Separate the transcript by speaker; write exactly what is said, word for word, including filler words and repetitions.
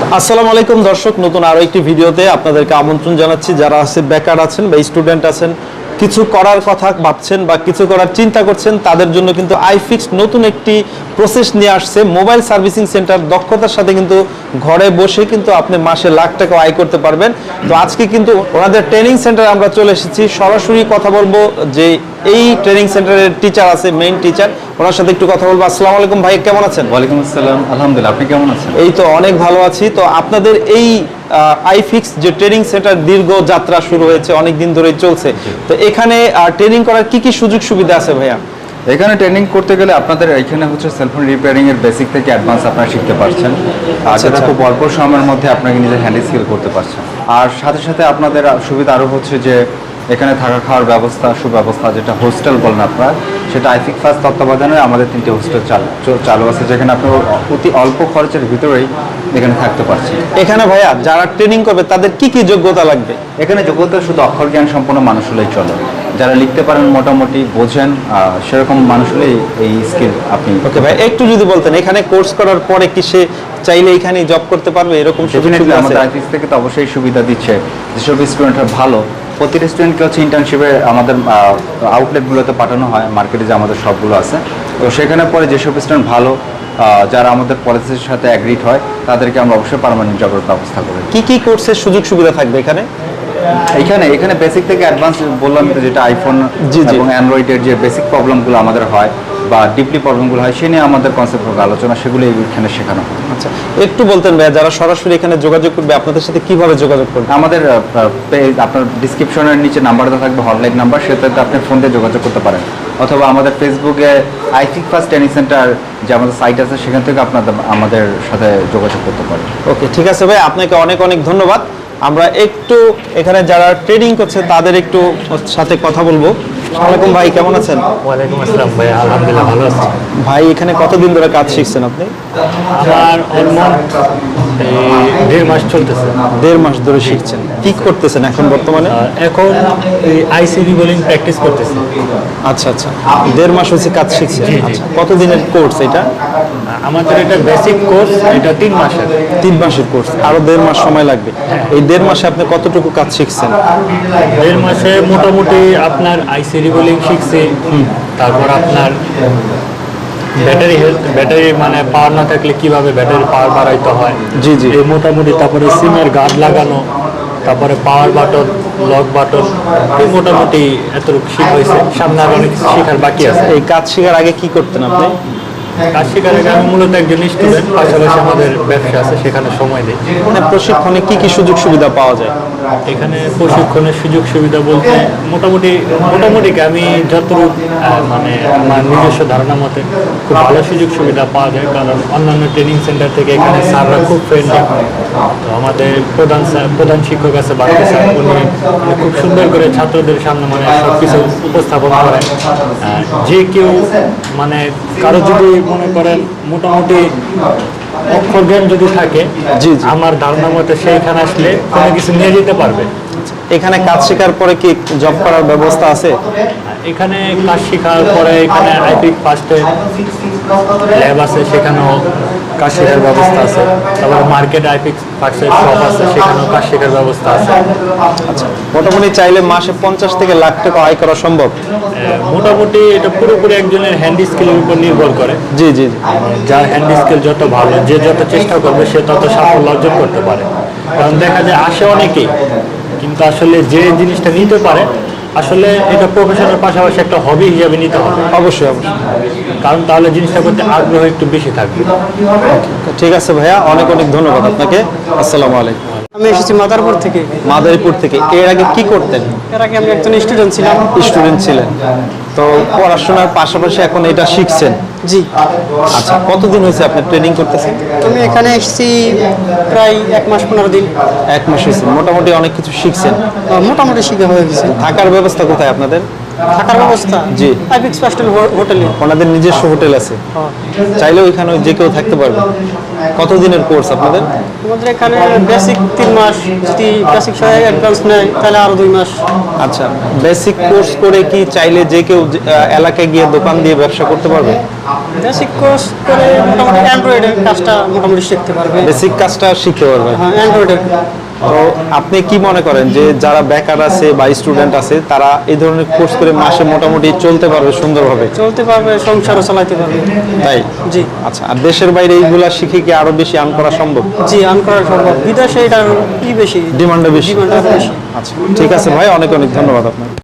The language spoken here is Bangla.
Speaker 1: আসসালামু আলাইকুম দর্শক, নতুন আরো একটি ভিডিওতে আপনাদেরকে আমন্ত্রণ জানাচ্ছি। যারা আছে বেকার আছেন বা স্টুডেন্ট আছেন, কিছু করার কথা ভাবছেন বা কিছু করার চিন্তা করছেন, তাদের জন্য কিন্তু আইফিক্স নতুন একটি প্রসেস নিয়ে আসছে। মোবাইল সার্ভিসিং সেন্টার, দক্ষতার সাথে কিন্তু ঘরে বসে কিন্তু আপনি মাসে লাখ টাকা আয় করতে পারবেন। তো আজকে কিন্তু ওনাদের ট্রেনিং সেন্টারে আমরা চলে এসেছি, সরাসরি কথা বলবো যে এই ট্রেনিং সেন্টারের টিচার আছে, মেইন টিচার, ওনার সাথে একটু কথা বলবো। আসসালামু আলাইকুম ভাই, কেমন আছেন?
Speaker 2: ওয়ালাইকুম আসসালাম, আলহামদুলিল্লাহ, আপনি কেমন আছেন?
Speaker 1: এই তো অনেক ভালো আছি। তো আপনাদের এই আইফিক্স যে ট্রেনিং সেন্টার দীর্ঘ যাত্রা শুরু হয়েছে, অনেক দিন ধরেই চলছে। তো এখানে ট্রেনিং করার কি কি সুযোগ সুবিধা আছে ভাইয়া?
Speaker 2: এখানে ট্রেনিং করতে গেলে আপনাদের এখানে হচ্ছে সেলফোন রিপেয়ারিং এর বেসিক থেকে অ্যাডভান্স আপনারা শিখতে পারছেন, আর যেটা খুব অল্প সময়ের মধ্যে আপনাকে নিজের হ্যান্ড স্কিল করতে পারছেন। আর সাথে সাথে আপনাদের সুবিধা আরও হচ্ছে যে এখানে থাকা খাওয়ার ব্যবস্থা, সুব্যবস্থা, যেটা হোস্টেল বলেন আপনারা, সেটা আইফিক্স ফার্স্ট তত্ত্বাবধানে আমাদের তিনটি হোস্টেল চালু চালু আছে, যেখানে আপনি অতি অল্প খরচের ভিতরেই এখানে থাকতে পারছেন।
Speaker 1: এখানে ভাইয়া যারা ট্রেনিং করবে তাদের কি কি যোগ্যতা লাগবে?
Speaker 2: এখানে যোগ্যতা শুধু অক্ষর জ্ঞান সম্পন্ন মানুষ হলেই চলে, যারা লিখতে পারেন, মোটামুটি বোঝেন, সেরকম মানুষ হলেই এই স্কিল আপনি।
Speaker 1: ওকে ভাই, একটু যদি বলতেন এখানে কোর্স করার পরে কি সে চাইলে এখানে জব করতে পারবে, এরকম
Speaker 2: ডেফিনেটলি আমাদের আইফিক্স থেকে তো অবশ্যই সুবিধা দিচ্ছে। যেসব স্টুডেন্টরা ভালো, প্রতিটা স্টুডেন্টকে হচ্ছে ইন্টার্নশিপে আমাদের আউটলেটগুলোতে পাঠানো হয়, মার্কেটে যে আমাদের সবগুলো আছে। তো সেখানে পরে যেসব স্টুডেন্ট ভালো, যারা আমাদের পলিসির সাথে অ্যাগ্রিড হয়, তাদেরকে আমরা অবশ্যই পার্মানেন্ট জবের ব্যবস্থা করি।
Speaker 1: কি কি কোর্সের সুযোগ সুবিধা থাকবে এখানে?
Speaker 2: এখানে এখানে বেসিক থেকে অ্যাডভান্স বললাম তো, যেটা আইফোন এবং অ্যান্ড্রয়েডের যে বেসিক প্রবলেমগুলো আমাদের হয় বা ডিপলি প্রবলেমগুলো হয়, সে নিয়ে আমাদের কনসেপ্ট আলোচনা, সেগুলো এখানে শেখানো হয়।
Speaker 1: আচ্ছা, একটু বলতেন ভাইয়া, যারা সরাসরি এখানে যোগাযোগ করবে আপনাদের সাথে কিভাবে যোগাযোগ করবে?
Speaker 2: আমাদের আপনার ডিসক্রিপশনের নিচে নাম্বারটা থাকবে, হটলাইন নাম্বার, সেটাতে আপনি ফোন দিয়ে যোগাযোগ করতে পারেন, অথবা আমাদের ফেসবুকে আইফিক্স ফার্স্ট ট্রেনিং সেন্টার যে আমাদের সাইট আছে, সেখান থেকে আপনাদের আমাদের সাথে যোগাযোগ করতে পারেন।
Speaker 1: ওকে, ঠিক আছে ভাই, আপনাকে অনেক অনেক ধন্যবাদ। আমরা একটু এখানে যারা ট্রেনিং করছে তাদের একটু সাথে কথা বলবো। আসসালামু আলাইকুম ভাই, কেমন আছেন?
Speaker 3: ওয়ালাইকুম আসসালাম ভাই, আলহামদুলিল্লাহ ভালো আছি।
Speaker 1: ভাই এখানে কতদিন ধরে কাজ শিখছেন আপনি?
Speaker 3: আমার অলমোস্ট দেড় মাস চলতেছে।
Speaker 1: দেড় মাস ধরে শিখছেন, কি করতেছেন এখন বর্তমানে?
Speaker 3: এখন আইসিডি বোলিং প্র্যাকটিস করতেছি।
Speaker 1: আচ্ছা আচ্ছা, দেড় মাস হচ্ছে কাজ শিখছেন। আচ্ছা, কতদিনের কোর্স এটা?
Speaker 3: আমাদের এটা বেসিক কোর্স, এটা তিন মাসের।
Speaker 1: তিন মাসের কোর্স, আরো দেড় মাস সময় লাগবে। এই দেড় মাসে আপনি কতটুকু কাজ শিখছেন?
Speaker 3: দেড় মাসে মোটামুটি আপনার আইসিডি বোলিং শিখছি, তারপর আপনার ব্যাটারি হেলথ, ব্যাটারি মানে পাওয়ার না থাকলে কিভাবে ব্যাটারি পাওয়ার বাড়াইতে হয়,
Speaker 1: জি জি,
Speaker 3: এই মোটামুটি, তারপরে সিমের গার্ড লাগানো, তারপরে পাওয়ার বাটন, লক বাটন, এই মোটামুটি এতটুকু শিখা হয়েছে। সামনে আর অনেক শেখার বাকি আছে।
Speaker 1: এই কাজ শেখার আগে কি করতেন আপনি?
Speaker 3: কাজ শেখার আগে আমি মূলত একজন স্টুডেন্ট, পাশাপাশি আমাদের ব্যবসা আছে, সেখানে সময় দিই।
Speaker 1: মানে প্রশিক্ষণে কি কি সুযোগ সুবিধা পাওয়া যায়?
Speaker 3: এখানে প্রশিক্ষণের সুযোগ সুবিধা বলতে মোটামুটি মোটামুটি আমি যতটুকু মানে আমার নিজস্ব ধারণা মতে খুব ভালো সুযোগ সুবিধা পাওয়া যায়, কারণ অন্যান্য ট্রেনিং সেন্টার থেকে এখানে স্যাররা খুব ফ্রেন্ডলি। তো আমাদের প্রধান স্যার, প্রধান শিক্ষক আছে বাড়তি স্যার, উনি খুব সুন্দর করে ছাত্রদের সামনে মানে সব কিছু উপস্থাপন করেন। যে কেউ মানে কারো যদি মনে করেন মোটামুটি অক্ষর জ্ঞান যদি থাকে,
Speaker 1: জি জি,
Speaker 3: আমার ধারণা মতে সেইখানে আসলে কোনো কিছু নিয়ে যেতে পারবে।
Speaker 1: এখানে কাজ শেখার পরে কি জব করার ব্যবস্থা আছে?
Speaker 3: এখানে কাজ শেখার পরে এখানে আইফিক্স ফার্স্টে ল্যাব আছে, সেখানেও কাজ শেখার ব্যবস্থা আছে। তারপরে মার্কেট আইফিক্স ফার্স্টের শপ আছে, সেখানেও কাজ শেখার ব্যবস্থা আছে।
Speaker 1: আচ্ছা, মোটামুটি চাইলে মাসে পঞ্চাশ থেকে লাখ টাকা আয় করা সম্ভব?
Speaker 3: মোটামুটি এটা পুরোপুরি একজনের হ্যান্ড স্কিলের উপর নির্ভর করে।
Speaker 1: জি জি,
Speaker 3: যার হ্যান্ড স্কিল যত ভালো, যে যত চেষ্টা করবে, সে তত সাফল্য অর্জন করতে পারে। কারণ দেখা যায় আসে অনেকেই, কিন্তু আসলে যে জিনিসটা নিতে পারে, আসলে এটা প্রফেশনের পাশাপাশি একটা হবি হিসাবে নিতে হবে।
Speaker 1: অবশ্যই অবশ্যই,
Speaker 3: কারণ তাহলে জিনিসটা করতে আগ্রহ একটু বেশি থাকবে।
Speaker 1: ঠিক আছে ভাইয়া, অনেক অনেক ধন্যবাদ আপনাকে। আসসালামু আলাইকুম।
Speaker 4: আমি এসেছি মাদারপুর থেকে।
Speaker 1: মাদারীপুর থেকে। এর আগে কি করতেন?
Speaker 4: এর আগে আমি একজন স্টুডেন্ট ছিলাম।
Speaker 1: স্টুডেন্ট ছিলেন, তো পড়াশোনার পাশাপাশি এখন এটা শিখছেন?
Speaker 4: জি।
Speaker 1: আচ্ছা, কতদিন হয়েছে আপনি ট্রেনিং করতেছেন?
Speaker 4: আমি এখানে এসেছি প্রায় এক মাস পনেরো দিন।
Speaker 1: এক মাস হয়েছে, মোটামুটি অনেক কিছু শিখছেন?
Speaker 4: মোটামুটি শিখে হয়ে গেছে।
Speaker 1: থাকার ব্যবস্থা কোথায় আপনাদের?
Speaker 4: থাকার ব্যবস্থা
Speaker 1: জি।
Speaker 4: আইফিক্স পাস্টেল হোটেলে।
Speaker 1: ওনাদের নিজস্ব হোটেল আছে, চাইলে ওইখানে যে কেউ থাকতে পারবে। কতদিনের কোর্স আপনাদের?
Speaker 4: আমাদের এখানে বেসিক তিন মাস, যদি বেসিক সহ অ্যাডভান্স নেয় তাহলে আরো দুই মাস।
Speaker 1: আচ্ছা, বেসিক কোর্স করে কি চাইলে যে কেউ যে- আহ, এলাকায় গিয়ে দোকান দিয়ে ব্যবসা করতে পারবে?
Speaker 4: বেসিক কোর্স করে মোটামুটি অ্যান্ড্রয়েডের কাজটা মোটামুটি শিখতে পারবে।
Speaker 1: বেসিক কাজটা শিখতে পারবে।
Speaker 4: হ্যাঁ, অ্যান্ড্রয়েডের।
Speaker 1: তো আপনি কি মনে করেন যে যারা বেকার আছে বা স্টুডেন্ট আছে তারা এই ধরনের কোর্স করে মাসে মোটামুটি চলতে পারবে সুন্দরভাবে?
Speaker 4: চলতে পারবে, সংসারও চালাতে পারবে।
Speaker 1: তাই?
Speaker 4: জি
Speaker 1: আচ্ছা, আর দেশের বাইরে এইগুলা শিখে কি আরো বেশি আর্ন করা সম্ভব?
Speaker 4: জি আর্ন করা সম্ভব। বিদেশে এটার কি বেশি,
Speaker 1: ডিমান্ডও বেশি।
Speaker 4: ডিমান্ড বেশি।
Speaker 1: আচ্ছা, ঠিক আছে ভাই, অনেক অনেক ধন্যবাদ আপনাকে।